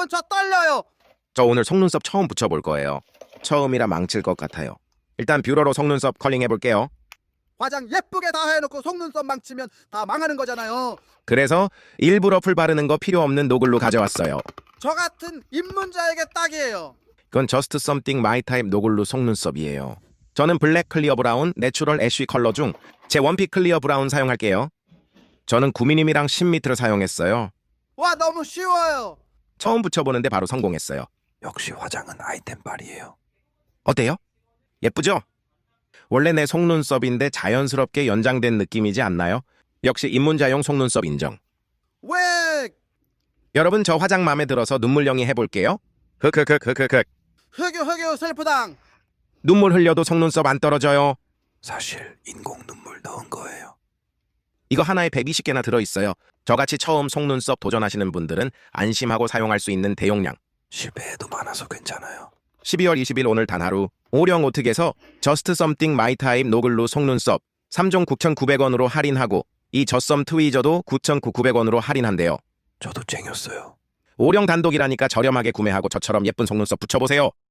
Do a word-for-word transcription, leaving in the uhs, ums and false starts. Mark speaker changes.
Speaker 1: 여러분 저 떨려요.
Speaker 2: 저 오늘 속눈썹 처음 붙여볼 거예요. 처음이라 망칠 것 같아요. 일단 뷰러로 속눈썹 컬링 해볼게요.
Speaker 1: 화장 예쁘게 다 해놓고 속눈썹 망치면 다 망하는 거잖아요.
Speaker 2: 그래서 일부러 풀 바르는 거 필요 없는 노글로 가져왔어요.
Speaker 1: 저 같은 입문자에게 딱이에요.
Speaker 2: 그건 저스트 썸띵 마이 타입 노글루 속눈썹이에요. 저는 블랙 클리어 브라운, 내추럴 애쉬 컬러 중 제 원픽 클리어 브라운 사용할게요. 저는 구 밀리미터랑 십 미터를 사용했어요.
Speaker 1: 와 너무 쉬워요.
Speaker 2: 처음 붙여보는데 바로 성공했어요.
Speaker 3: 역시 화장은 아이템빨이에요.
Speaker 2: 어때요? 예쁘죠? 원래 내 속눈썹인데 자연스럽게 연장된 느낌이지 않나요? 역시 입문자용 속눈썹 인정.
Speaker 1: 왜
Speaker 2: 여러분 저 화장 마음에 들어서 눈물영이 해볼게요. 흑흑흑흑흑흑.
Speaker 1: 흑유 흑유 슬프당.
Speaker 2: 눈물 흘려도 속눈썹 안 떨어져요.
Speaker 3: 사실 인공 눈물 넣은 거예요.
Speaker 2: 이거 하나에 백이십 개나 들어있어요. 저같이 처음 속눈썹 도전하시는 분들은 안심하고 사용할 수 있는 대용량.
Speaker 3: 실패해도 많아서 괜찮아요.
Speaker 2: 십이월 이십일 오늘 단 하루 오령 오특에서 저스트 썸띵 마이 타입 노글루 속눈썹 삼 종 구천구백 원으로 할인하고 이 저썸 트위저도 구천구백 원으로 할인한대요.
Speaker 3: 저도 쟁였어요.
Speaker 2: 오령 단독이라니까 저렴하게 구매하고 저처럼 예쁜 속눈썹 붙여보세요.